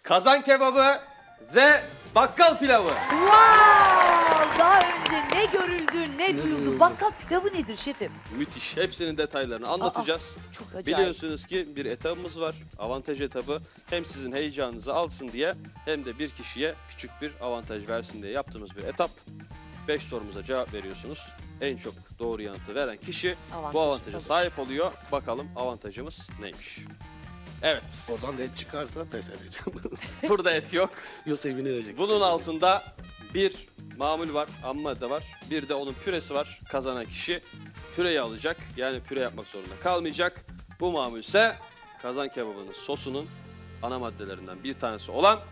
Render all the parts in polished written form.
kazan kebabı ve bakkal pilavı. Wow! Daha önce ne görüldü, ne duyuldu. Bakkal pilavı nedir şefim? Müthiş. Hepsinin detaylarını anlatacağız. Çok acayip. Biliyorsunuz ki bir etabımız var. Avantaj etabı. Hem sizin heyecanınızı alsın diye hem de bir kişiye küçük bir avantaj versin diye yaptığımız bir etap. 5 sorumuza cevap veriyorsunuz. En çok doğru yanıtı veren kişi bu avantaja tabii. sahip oluyor. Bakalım avantajımız neymiş? Evet. Oradan da et çıkarsa pes edeceğim. Burada et yok. Yoksa evine verecek. Bunun altında bir mamul var, ham madde var. Bir de onun püresi var. Kazanan kişi püreyi alacak. Yani püre yapmak zorunda kalmayacak. Bu mamul ise kazan kebabının sosunun ana maddelerinden bir tanesi olan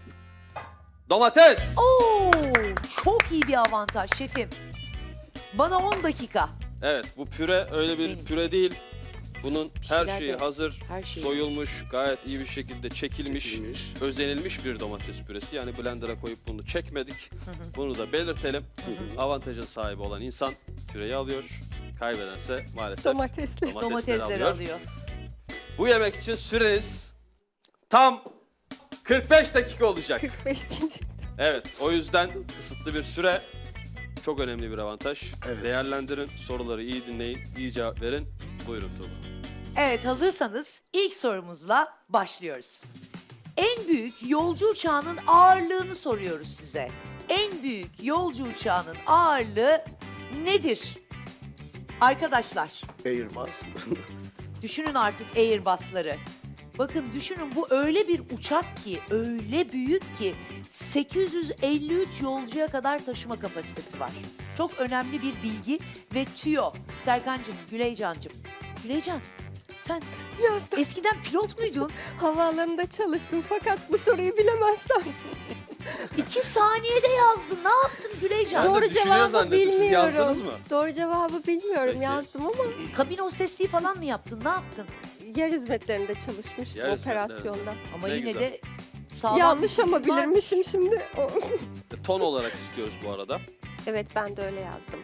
domates. Oo, çok iyi bir avantaj şefim. Bana 10 dakika. Evet, bu püre öyle bir Benim. püre değil. Bunun her şeyler şeyi de- hazır, her şeyi. soyulmuş, gayet iyi bir şekilde çekilmiş, Çekilmiş. özenilmiş bir domates püresi. Yani blender'a koyup bunu çekmedik. Bunu da belirtelim. Avantajın sahibi olan insan püreyi alıyor. Kaybedense maalesef Domatesli. domatesleri Domatesleri alıyor. Bu yemek için süreniz tam 45 dakika olacak. 45 diyecek. Evet, o yüzden kısıtlı bir süre çok önemli bir avantaj. Evet. Değerlendirin, soruları iyi dinleyin, iyi cevap verin. Buyurun Tuğba. Evet, hazırsanız ilk sorumuzla başlıyoruz. En büyük yolcu uçağının ağırlığını soruyoruz size. En büyük yolcu uçağının ağırlığı nedir? Arkadaşlar, Airbus. düşünün artık Airbus'ları. Bakın düşünün, bu öyle bir uçak ki, öyle büyük ki 853 yolcuya kadar taşıma kapasitesi var. Çok önemli bir bilgi ve tüyo. Serkancığım, Güleycan'cığım. Güleycan, sen Yazdım. eskiden pilot muydun? Havaalanında çalıştım fakat bu soruyu bilemezsem. 2 saniyede yazdın. Ne yaptın Güleycan? Ben de Doğru düşünüyor cevabı zannettim. Siz bilmiyorum. yazdınız mı? Doğru cevabı bilmiyorum, Peki. yazdım ama Kabin hostesliği falan mı yaptın? Ne yaptın? yer hizmetlerinde çalışmıştım Yer hizmetlerinde. operasyonda. Ama Ne yine güzel. de sağlam Yanlış bir ama bilgi var. bilirmişim şimdi. Ton olarak istiyoruz bu arada. Evet, ben de öyle yazdım.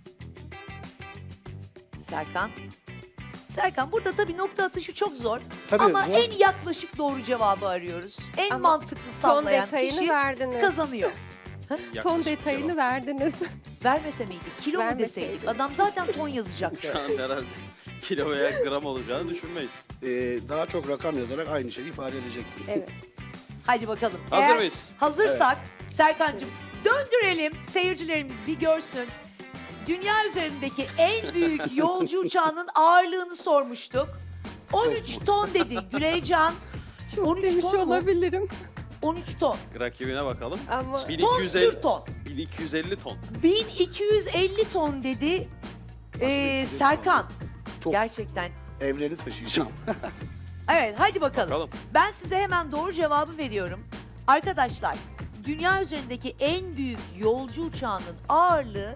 Serkan. Serkan, burada tabii nokta atışı çok zor. Tabii, Ama zor. en yaklaşık doğru cevabı arıyoruz. En Ama mantıklı Ton sallayan detayını kişi verdiniz. kazanıyor. Ton Yaklaşık detayını cevap. verdiniz. Vermese miydik? Kilo mu Vermeseydiniz. deseydik? Adam zaten ton yazacaktı. Şu an herhalde kilo veya gram olacağını düşünmeyiz. Daha çok rakam yazarak aynı şeyi ifade edecek. Evet. Hadi bakalım. Hazır Eğer mıyız? Hazırsak Serkancığım döndürelim, seyircilerimiz bir görsün. Dünya üzerindeki en büyük yolcu uçağının ağırlığını sormuştuk. 13 ton dedi Güleycan. Çok 13 demiş ton mu? olabilirim 13 ton. Rakibine bakalım. ama Ton 1250, sür ton. 1250 ton. 1250 ton dedi Serkan. Çok. Gerçekten. Evreni taşıyacağım. Evet, hadi bakalım. Bakalım. Ben size hemen doğru cevabı veriyorum. Arkadaşlar, dünya üzerindeki en büyük yolcu uçağının ağırlığı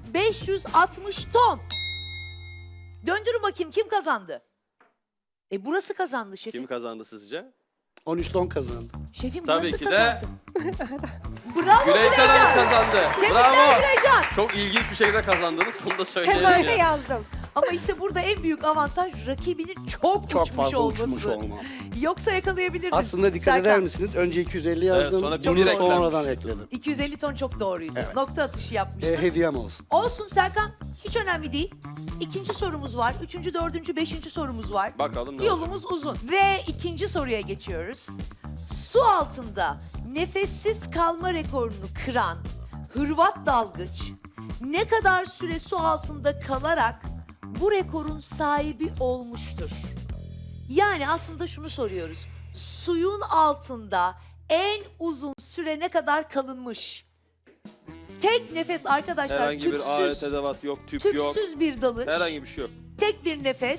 560 ton. Döndürün bakayım, kim kazandı? Burası kazandı şefim. Kim kazandı sizce? 13 ton kazandı. Şefim Tabii burası ki de kazandı. Bravo Güleycan Hanım kazandı. Tebrikler Bravo. Güleycan. Çok ilginç bir şekilde kazandınız. Onu da söyleyelim hemen de ya. yazdım. Ama işte burada en büyük avantaj rakibinin çok, Çok uçmuş fazla olması. uçmuş olmam. Yoksa yakalayabilirdin. Aslında dikkat Serkan, eder misiniz? Önce 250 yazdım. sonra bunu bir sonradan ekledim. 250 ton çok doğruydu. Evet. Nokta atışı yapmıştın. Hediyem olsun. Olsun Serkan, hiç önemli değil. İkinci sorumuz var, üçüncü, dördüncü, beşinci sorumuz var. Bakalım ne olacak. Yolumuz uzun. Ve ikinci soruya geçiyoruz. Su altında nefessiz kalma rekorunu kıran Hırvat dalgıç ne kadar süre su altında kalarak bu rekorun sahibi olmuştur? Yani aslında şunu soruyoruz. Suyun altında en uzun süre ne kadar kalınmış? Tek nefes arkadaşlar, Herhangi bir alet tüpsüz, edevat yok, tüp yok. tüpsüz bir dalış. Herhangi bir şey yok. Tek bir nefes.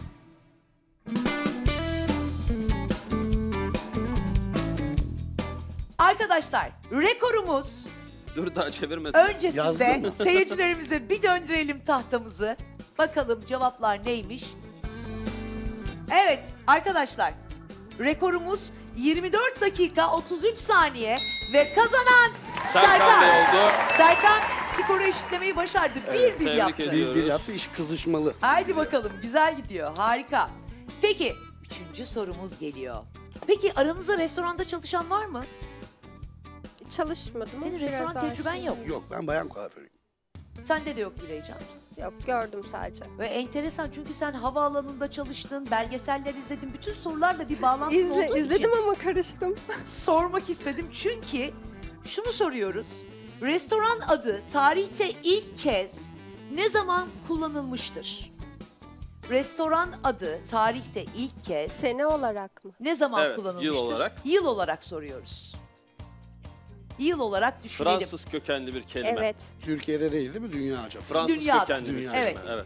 Arkadaşlar, rekorumuz Dur daha çevirmedim. öncesinde Yazdın seyircilerimize bir döndürelim tahtamızı. Bakalım cevaplar neymiş? Evet arkadaşlar, rekorumuz 24 dakika 33 saniye ve kazanan Serkan Bey oldu. Serkan skoru eşitlemeyi başardı. Evet, bir tebrik yaptı. ediyorum. Bir yaptı, iş kızışmalı. Haydi bakalım, güzel gidiyor, harika. Peki, üçüncü sorumuz geliyor. Peki aranızda restoranda çalışan var mı? Çalışmadım. Senin Biraz restoran tecrüben aşığım. yok. Yok, ben bayan kuaförüyüm. Sende de yok Güleycan. Yok, gördüm sadece. Ve enteresan çünkü sen havaalanında çalıştın, belgeseller izledin. Bütün sorularla bir bağlantın olduğu İzledim için ama karıştım. sormak istedim. Çünkü şunu soruyoruz. Restoran adı tarihte ilk kez ne zaman kullanılmıştır? Restoran adı tarihte ilk kez Sene olarak mı? ne zaman Evet, kullanılmıştır? yıl olarak. Yıl olarak soruyoruz. Yıl olarak düşünelim. Fransız kökenli bir kelime. Evet. Türkiye'de değil mi? Dünyaca. Fransız Dünyada. kökenli bir Dünya. kelime. Evet. Evet.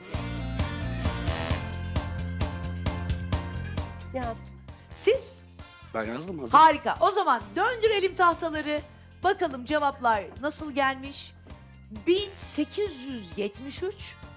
Yaz. Siz? Ben yazdım hazır. Harika. O zaman döndürelim tahtaları. Bakalım cevaplar nasıl gelmiş? 1873,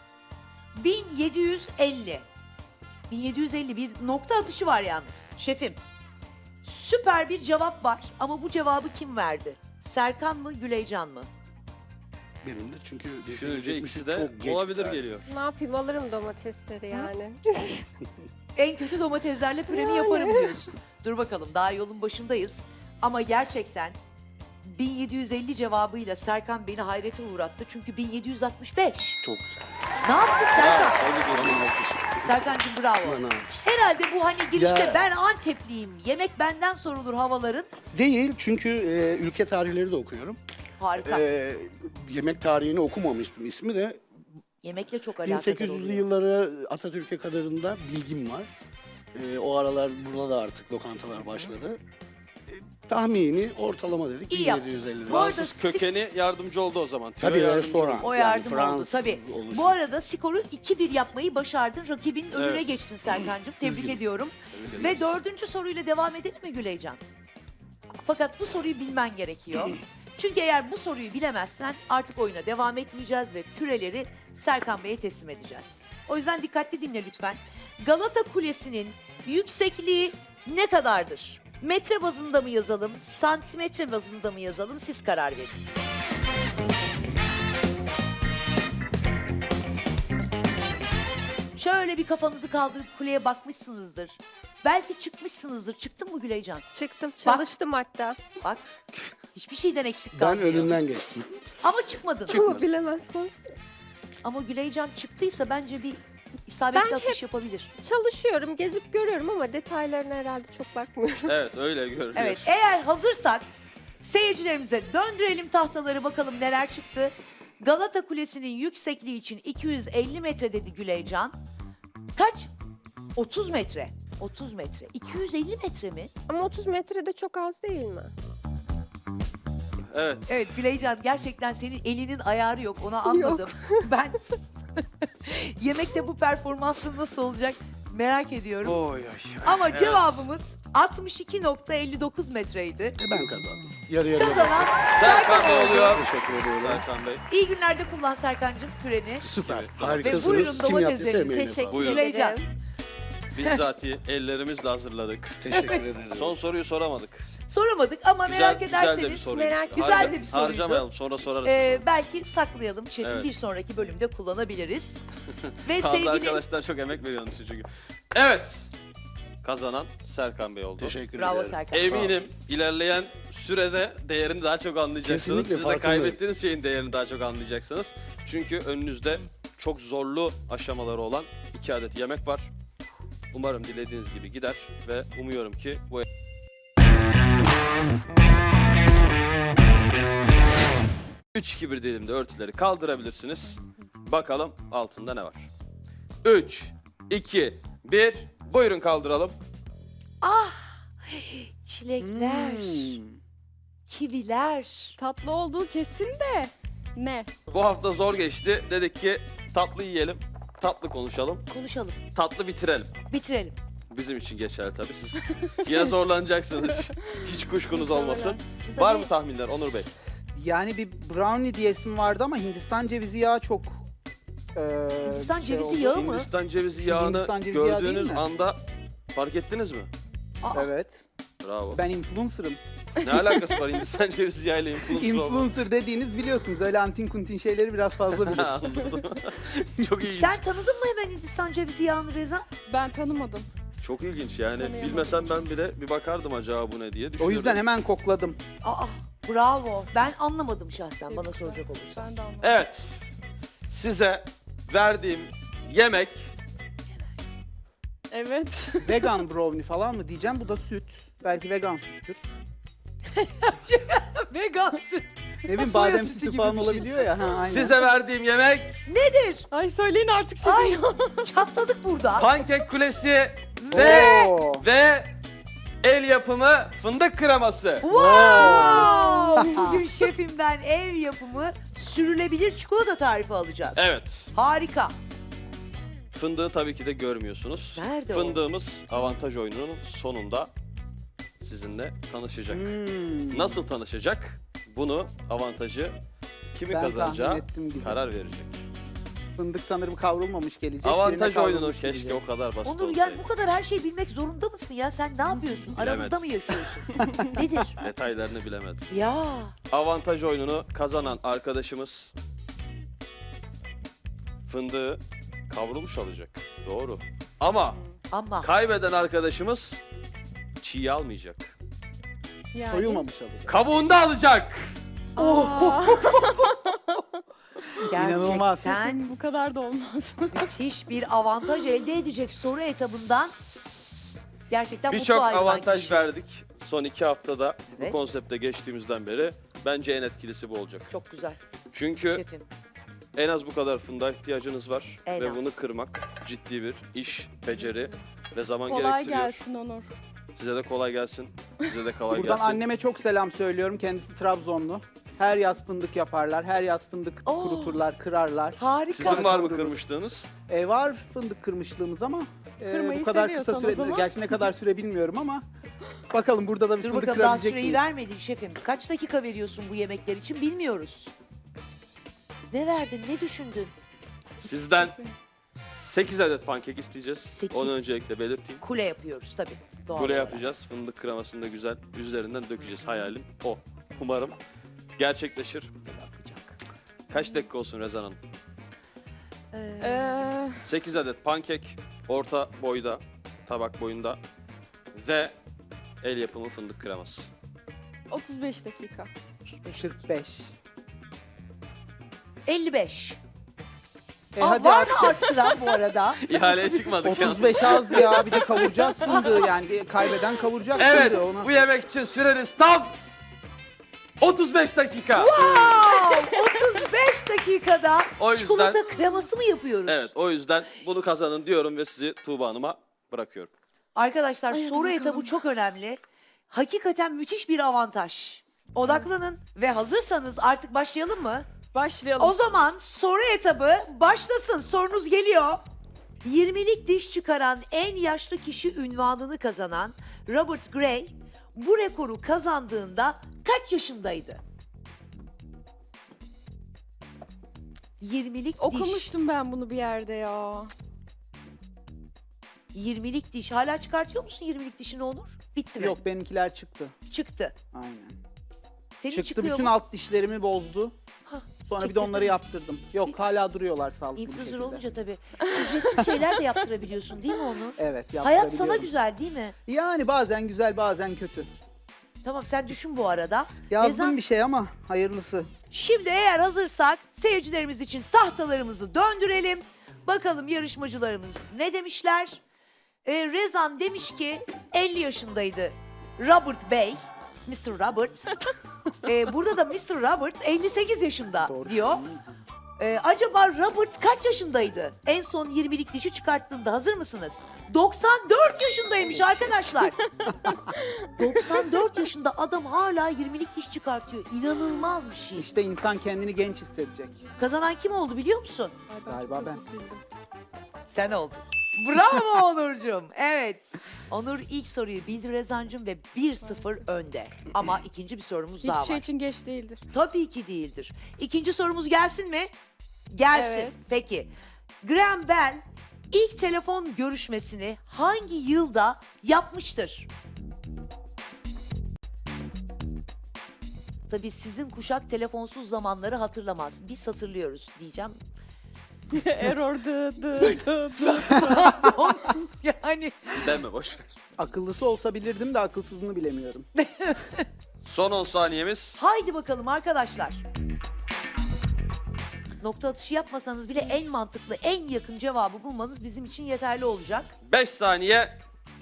1750. 1750 bir nokta atışı var yalnız. Şefim. Süper bir cevap var ama bu cevabı kim verdi? Serkan mı, Güleycan mı? Benim de çünkü Düşününce ikisi de çok geç olabilir bir tarih. geliyor. Ne yapayım, alırım domatesleri yani. En kötü domateslerle püreni yaparım diyorsun. Dur bakalım daha yolun başındayız. Ama gerçekten 1750 cevabıyla Serkan beni hayrete uğrattı. Çünkü 1765. Çok güzel. Ne yaptın Serkan? Tebrik ederim. Bana alkış. Serkan'cığım bravo. Bana alkış. Herhalde bu hani girişte Ya- ben Antepliyim, yemek benden sorulur havaların. Değil çünkü ülke tarihleri de okuyorum. Harika. Yemek tarihini okumamıştım. İsmi de Yemekle çok alakadar 1800'lü oluyor. yılları Atatürk'e kadarında bilgim var. O aralar burada da artık lokantalar başladı. Tahmini ortalama dedik. İyi yaptın. 1750. Bu arada Fransız sik- kökeni yardımcı oldu o zaman. Tüyo Tabii yardımcı restoran. oldu. O Yani yardım oldu Fransız tabii. oluşu. Bu arada skoru 2-1 yapmayı başardın. Rakibin önüne Evet. geçtin Serkan'cığım. Tebrik Üzgünüm. ediyorum. Tebrik Ve ederiz. 4. soruyla devam edelim mi Güleycan? Fakat bu soruyu bilmen gerekiyor. Çünkü eğer bu soruyu bilemezsen artık oyuna devam etmeyeceğiz ve küreleri Serkan Bey'e teslim edeceğiz. O yüzden dikkatli dinle lütfen. Galata Kulesi'nin yüksekliği ne kadardır? Metre bazında mı yazalım, santimetre bazında mı yazalım? Siz karar verin. Şöyle bir kafanızı kaldırıp kuleye bakmışsınızdır. Belki çıkmışsınızdır. Çıktın mı Güleycan? Çıktım, çalıştım hatta. Bak hiçbir şeyden eksik Ben kalmıyor. önünden geçtim. Ama çıkmadın. Ama bilemezsem. Ama Güleycan çıktıysa bence bir isabetli Ben atış yapabilir. Çalışıyorum, gezip görüyorum ama detaylarına herhalde çok bakmıyorum. Evet öyle görünüyor. Evet eğer hazırsak seyircilerimize döndürelim tahtaları bakalım neler çıktı. Galata Kulesi'nin yüksekliği için 250 metre dedi Güleycan. Kaç? 30 metre. 30 metre. 250 metre mi? Ama 30 metre de çok az değil mi? Evet. Evet Güleycan gerçekten senin elinin ayarı yok onu anladım. Ben yemekte bu performansın nasıl olacak merak ediyorum. Oy oy. Ama Evet. cevabımız 62.59 metreydi. Ben kazandım. Yarı yarıya. Kazanan Serkan Bey oluyor. Teşekkür ediyorum. Serkan Bey. iyi günlerde kullan Serkan'cığım küreni. Süper. Evet, Harikasınız. Ve buyurun Kim yaptıysa domateslerinizi. emeğine Teşekkür sağlık. Buyurun. Güleycan. ederim. Bizzati ellerimizle hazırladık. Teşekkür ederim. Son soruyu soramadık. Soramadık ama merak Güzel de bir ederseniz soruydu. merak- güzel de bir soruydu. Harcamayalım sonra sorarız. belki saklayalım şefim Evet. bir sonraki bölümde kullanabiliriz. Ve Bazı sevgili arkadaşlar çok emek veriyor onun için çünkü. Evet. Kazanan Serkan Bey oldu. Teşekkür bravo ederim. Serkan. Eminim ilerleyen sürede değerini daha çok anlayacaksınız. Kesinlikle Siz de farkındayım. kaybettiğiniz şeyin değerini daha çok anlayacaksınız. Çünkü önünüzde çok zorlu aşamaları olan 2 adet yemek var. Umarım dilediğiniz gibi gider ve umuyorum ki bu 3-2-1 dilimde örtüleri kaldırabilirsiniz. Bakalım altında ne var. 3, 2, 1. Buyurun kaldıralım. Çilekler, kiviler. Tatlı olduğu kesin de ne? Bu hafta zor geçti. Dedik ki tatlı yiyelim, tatlı konuşalım, Konuşalım, tatlı bitirelim. bitirelim. Bizim için geçerli tabii. Siz yine zorlanacaksınız. Hiç kuşkunuz olmasın. Bu da Var ne? mı tahminler Onur Bey? Yani bir brownie diyesim vardı ama Hindistan cevizi yağı çok Hindistan cevizi oldu. yağı mı? Hindistan cevizi Şu yağını Hindistan cevizi yağı değil gördüğünüz mi? anda fark ettiniz mi? Aa, Evet. Bravo. Ben influencer'ım. Ne alakası var Hindistan cevizi yağıyla influencer olmak? Influencer dediğiniz biliyorsunuz öyle antin kuntin şeyleri biraz fazla bilir. Anladım. Çok ilginç. Sen tanıdın mı hemen Hindistan cevizi yağını Reza? Ben tanımadım. Çok ilginç yani. Tanıyamadım. Bilmesem ben bile bir bakardım acaba bu ne diye O düşünüyorum. yüzden hemen kokladım. Aa, bravo. Ben anlamadım şahsen bana soracak olursan. Ben de anlamadım. Evet. Size verdiğim yemek Evet. Vegan brownie falan mı diyeceğim. Bu da süt. Belki vegan süttür. Vegan süt. Ne bileyim Soya badem sütü sütü gibi falan bir şey. olabiliyor ya. Ha, aynen. size verdiğim yemek Nedir? Ay söyleyin artık şefim. Ay çatladık burada. pankek kulesi ve Oo. el yapımı fındık kreması. Wow! Bugün şefimden ev yapımı sürülebilir çikolata tarifi alacağız. Evet. Harika. Fındığı tabii ki de görmüyorsunuz. Nerede o? Fındığımız avantaj oyununun sonunda sizinle tanışacak. Hmm. Nasıl tanışacak? Bunu avantajı kimi Ben kazanacağı tahmin ettim gibi. karar verecek. Fındık sanırım kavrulmamış gelecek. Avantaj birine oyununu kavrulmuş keşke gelecek. o kadar basit Onur olsaydı. yani bu kadar her şeyi bilmek zorunda mısın ya? Sen ne yapıyorsun? Aramızda mı yaşıyorsun? Nedir? Detaylarını bilemedim. Ya Avantaj oyununu kazanan arkadaşımız fındığı kavrulmuş alacak. Doğru. Ama ama kaybeden arkadaşımız çiğ almayacak. Yani. Soyulmamış alacak. Kabuğunu da alacak. Aa, İnanılmaz. gerçekten bu kadar da olmaz. müthiş bir avantaj elde edecek soru etabından. Gerçekten mutlu Birçok ayrılan avantaj kişi. verdik son 2 haftada bu Evet. konsepte geçtiğimizden beri. Bence en etkilisi bu olacak. Çok güzel Çünkü şefim. en az bu kadar fındığa ihtiyacınız var. En ve az. bunu kırmak ciddi bir iş, beceri ve zaman Kolay gerektiriyor. gelsin Onur. Size de kolay gelsin. Size de kolay Buradan gelsin. anneme çok selam söylüyorum. Kendisi Trabzonlu. Her yaz fındık yaparlar. Her yaz fındık Oo. kuruturlar, kırarlar. Harika. Sizin var mı kırmıştığınız? Var fındık kırmışlığımız ama Kırmayı bu kadar seviyorsan kısa o süre, zaman. gerçi ne kadar süre bilmiyorum ama bakalım burada da bir Dur fındık bakalım daha kırabilecek süreyi miyiz? vermedin şefim. Kaç dakika veriyorsun bu yemekler için bilmiyoruz. Ne verdin, ne düşündün? Sizden 8 adet pankek isteyeceğiz. 8. Onu öncelikle belirteyim. Kule yapıyoruz tabii. Doğal Kule olarak. yapacağız. Fındık kremasını da güzel üzerinden dökeceğiz. Hayalim o. Umarım gerçekleşir. Kaç dakika olsun Rezan Hanım? Ee, 8 adet pankek orta boyda, tabak boyunda ve el yapımı fındık kreması. 35 dakika. 45. 55. Aa, Aa, var mı arttıran bu arada? İhaleye çıkmadık yalnız. 35 az ya. Bir de kavuracağız fındığı yani. Kaybeden kavuracak Evet, fındığı. Ona... bu yemek için süreniz tam 35 dakika. Wow! 35 dakikada O yüzden- çikolata kreması mı yapıyoruz? Evet, o yüzden bunu kazanın diyorum ve sizi Tuğba Hanım'a bırakıyorum. Arkadaşlar Ay, hadi soru bakalım. etabı çok önemli. Hakikaten müthiş bir avantaj. Odaklanın ve hazırsanız artık başlayalım mı? Başlayalım. O zaman soru etabı başlasın. Sorunuz geliyor. 20'lik diş çıkaran en yaşlı kişi ünvanını kazanan Robert Gray bu rekoru kazandığında kaç yaşındaydı? 20'lik diş. Okumuştum ben bunu bir yerde ya. 20'lik diş. Hala çıkartıyor musun 20'lik dişini Onur? Bitti mi? Yok benimkiler çıktı. Çıktı. Aynen. Senin Çıktı çıkıyor bütün mu? alt dişlerimi bozdu. Hah, Sonra bir de çektirdin onları mi? yaptırdım. Yok hala duruyorlar sağlıklı bir İnfluencer şekilde. olunca tabii ücretsiz şeyler de yaptırabiliyorsun değil mi Onur? Evet Hayat sana yaptırabiliyorum. güzel değil mi? Yani bazen güzel bazen kötü. Tamam sen düşün bu arada. Yazdım Rezan- bir şey ama hayırlısı. Şimdi eğer hazırsak seyircilerimiz için tahtalarımızı döndürelim. Bakalım yarışmacılarımız ne demişler? Rezan demiş ki 50 yaşındaydı Robert Bey. Mr. Robert. Burada da Mr. Robert 58 yaşında Doğru. diyor. Acaba Robert kaç yaşındaydı? En son 20'lik dişi çıkarttığında hazır mısınız? 94 yaşındaymış arkadaşlar. 94 yaşında adam hala 20'lik diş çıkartıyor. İnanılmaz bir şey. İşte insan kendini genç hissedecek. Kazanan kim oldu biliyor musun? Ay, Galiba çok ben. hızlı bildim. Sen oldun. Bravo Onurcuğum. Evet. Onur ilk soruyu bildi Rezancığım ve 1-0 önde. Ama ikinci bir sorumuz daha Hiçbir şey var. için geç değildir. Tabii ki değildir. İkinci sorumuz gelsin mi? Gelsin. Evet. Peki. Graham Bell ilk telefon görüşmesini hangi yılda yapmıştır? Tabii sizin kuşak telefonsuz zamanları hatırlamaz. Biz hatırlıyoruz diyeceğim. Error dı. Yani Deme boş ver. Akıllısı olsa bilirdim de akılsızını bilemiyorum. Son 10 saniyemiz. haydi bakalım arkadaşlar. Nokta atışı yapmasanız bile en mantıklı, en yakın cevabı bulmanız bizim için yeterli olacak. 5 saniye.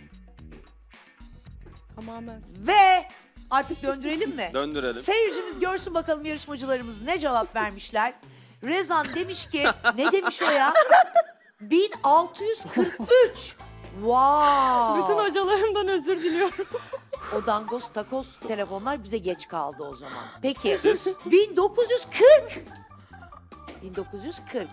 Tamamen. Ve artık döndürelim mi? Döndürelim. Seyircimiz görsün bakalım yarışmacılarımız ne cevap vermişler. Rezan demiş ki, ne demiş o ya? 1643. Wow. Bütün hocalarımdan özür diliyorum. O dangos takos telefonlar bize geç kaldı o zaman. Peki. Siz? 1940. 1940.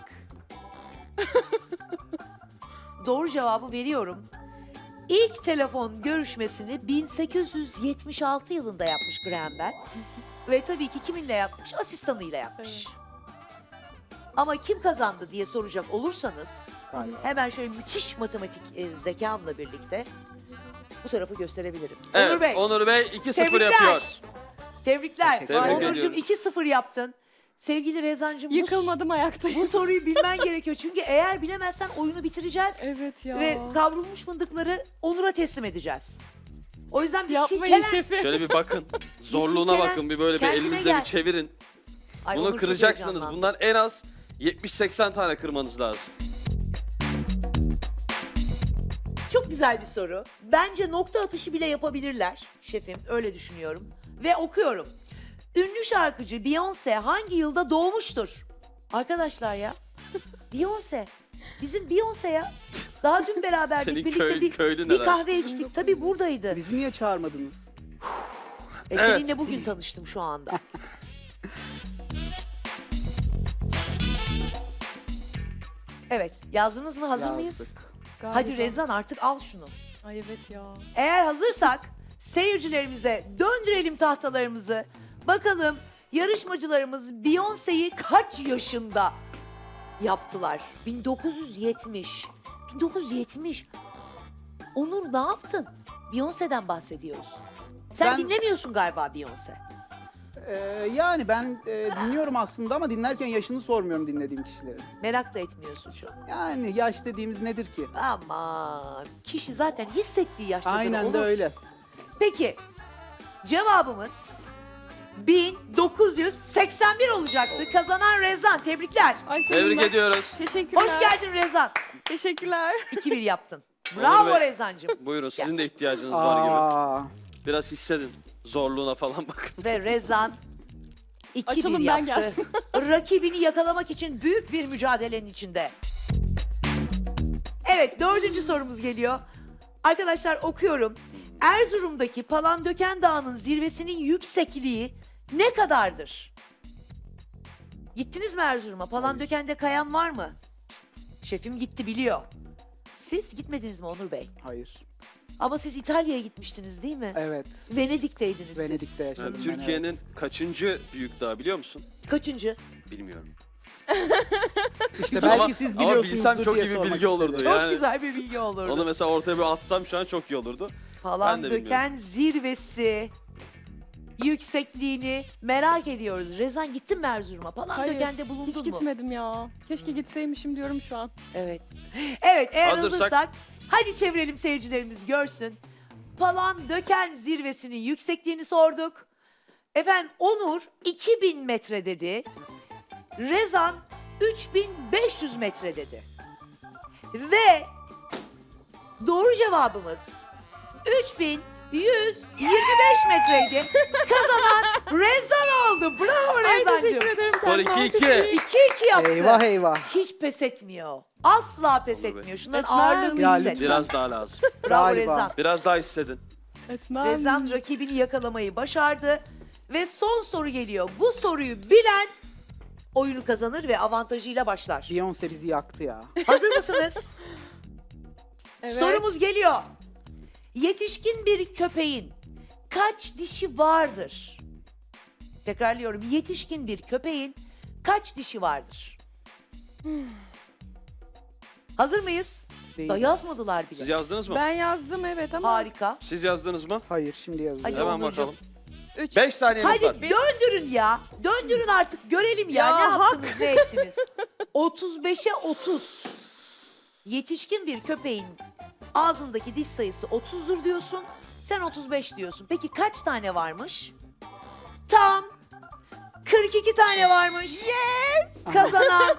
Doğru cevabı veriyorum. İlk telefon görüşmesini 1876 yılında yapmış Graham Bell. Ve tabii ki kiminle yapmış? Asistanıyla yapmış. Ama kim kazandı diye soracak olursanız Galiba. hemen şöyle müthiş matematik zekamla birlikte bu tarafı gösterebilirim. Evet, Onur Bey. Onur Bey 2-0 Tebrikler. yapıyor. Tebrikler. Tebrik Onurcuğum ediyoruz. 2-0 yaptın. Sevgili Rezancığım Yıkılmadım ayaktayım. bu soruyu bilmen gerekiyor. Çünkü eğer bilemezsen oyunu bitireceğiz. Evet ya. Ve kavrulmuş fındıkları Onur'a teslim edeceğiz. O yüzden bir Yapmayın silkelen. şefim. Şöyle bir bakın. Zorluğuna silkelen, bakın. Bir böyle bir kendine elinizle gel. bir çevirin. Ay, Bunu Onur çok kıracaksınız. heyecanlandı. Bundan en az 70-80 tane kırmanız lazım. Çok güzel bir soru. Bence nokta atışı bile yapabilirler şefim. Öyle düşünüyorum. Ve okuyorum. Ünlü şarkıcı Beyoncé hangi yılda doğmuştur? Arkadaşlar ya. Beyoncé. Bizim Beyoncé ya. Daha dün beraberdik. Senin Birlikte köylün bir herhalde. kahve içtik. Tabii buradaydı. Bizi niye çağırmadınız? Evet. Seninle bugün tanıştım şu anda. Evet. Yazdınız mı? Hazır mıyız? Yazdık. Galiba. Hadi Rezan artık al şunu. Ay evet ya. Eğer hazırsak seyircilerimize döndürelim tahtalarımızı. Bakalım yarışmacılarımız Beyoncé'yi kaç yaşında yaptılar? 1970. 1970. Onur ne yaptın? Beyoncé'den bahsediyoruz. Sen Ben- dinlemiyorsun galiba Beyoncé. Yani ben dinliyorum aslında ama dinlerken yaşını sormuyorum dinlediğim kişilerin. Merak da etmiyorsun çok. Yani yaş dediğimiz nedir ki? Aman kişi zaten hissettiği yaştadır. Aynen de Onur. öyle. Peki cevabımız 1981 olacaktı. Kazanan Rezan. Tebrikler. Ay senin Tebrik ben- ediyoruz. Teşekkürler. Hoş geldin Rezan. Teşekkürler. 2-1 yaptın. Onur Bravo Bey. Rezancığım. Buyurun sizin de ihtiyacınız var gibi. Aa, Biraz hissedin. Zorluğuna falan bakın. Ve Rezan 2-1 Açalım, ben yaptı. Rakibini yakalamak için büyük bir mücadelenin içinde. Evet 4. sorumuz geliyor. Arkadaşlar okuyorum. Erzurum'daki Palandöken Dağı'nın zirvesinin yüksekliği ne kadardır? Gittiniz mi Erzurum'a? Palandöken'de kayan var mı? Şefim gitti biliyor. Siz gitmediniz mi Onur Bey? hayır. Ama siz İtalya'ya gitmiştiniz değil mi? Evet. Venedik'teydiniz siz. Venedik'te yaşadım Yani ben. Türkiye'nin kaçıncı büyük dağı biliyor musun? Kaçıncı? Bilmiyorum. İşte belki siz ama biliyorsunuzdur bilsem çok diye iyi bir sormak bilgi olurdu. istedim. Çok Yani güzel bir bilgi olurdu. onu mesela ortaya bir atsam şu an çok iyi olurdu. Falan ben de döken zirvesi yüksekliğini merak ediyoruz. Rezan gittin mi Erzurum'a? Falan Hayır, dökende bulundun Hiç mu? gitmedim ya. Keşke gitseymişim diyorum şu an. Evet. Evet eğer Hazırsak- hazırsak hadi çevirelim seyircilerimiz görsün. Palan döken zirvesinin yüksekliğini sorduk. Efendim Onur 2000 metre dedi. Rezan 3500 metre dedi. Ve doğru cevabımız 3125 metreydi. Kazanan Rezan oldu. Bravo Ay Rezancığım. teşekkür ederim. Skor Kendime 2-2. 2-2 yaptı. Eyvah eyvah. Hiç pes etmiyor. Asla pes Olur be. etmiyor. Şunların Etmem. ağırlığını Ya hisset. lütfen. Biraz daha lazım. Bravo Galiba. Rezan. Biraz daha hissedin. Etmem. Rezan rakibini yakalamayı başardı. Ve son soru geliyor. Bu soruyu bilen oyunu kazanır ve avantajıyla başlar. Beyoncé bizi yaktı ya. Hazır mısınız? Evet. Sorumuz geliyor. Yetişkin bir köpeğin kaç dişi vardır? Tekrarlıyorum. Yetişkin bir köpeğin kaç dişi vardır? Hazır mıyız? Değil. Da yazmadılar bile. Siz yazdınız mı? Ben yazdım evet ama. Harika. Siz yazdınız mı? Hayır şimdi yazıyorum. Hadi Hemen Onurcuğum. bakalım. 3. 5 saniyemiz Hadi var. döndürün ya. Döndürün artık görelim ya, Ya ne yaptınız ne ettiniz. 35'e 30. Yetişkin bir köpeğin ağzındaki diş sayısı 30'dur diyorsun. Sen 35 diyorsun. Peki kaç tane varmış? Tam 42 tane varmış. Yes! Kazanan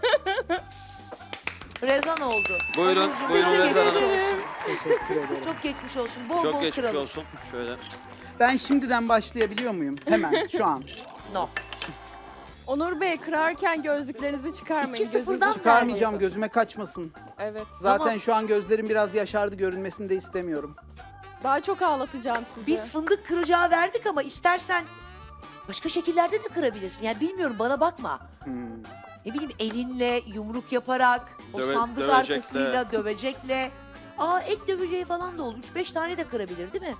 Rezan oldu. Buyurun, Onurcuğum, buyurun çok Rezan geçmiş Hanım. olsun. Teşekkür ederim. Çok geçmiş olsun. Bol Çok bol geçmiş kıralım. olsun. Şöyle. Ben şimdiden başlayabiliyor muyum? Hemen şu an. No. Onur Bey kırarken gözlüklerinizi çıkarmayın. 2-0'dan gözünüzü Çıkarmayacağım, çıkarmayın. gözüme kaçmasın. Evet. Zaten Tamam. şu an gözlerim biraz yaşardı, görünmesini de istemiyorum. Daha çok ağlatacağım sizi. Biz fındık kıracağı verdik ama istersen başka şekillerde de kırabilirsin. Yani bilmiyorum, bana bakma. Hmm. Ne bileyim, elinle yumruk yaparak, o sandık dövecekle. arkasıyla, dövecekle. Aa, ek döveceği falan da olur. 3-5 tane de kırabilir değil mi?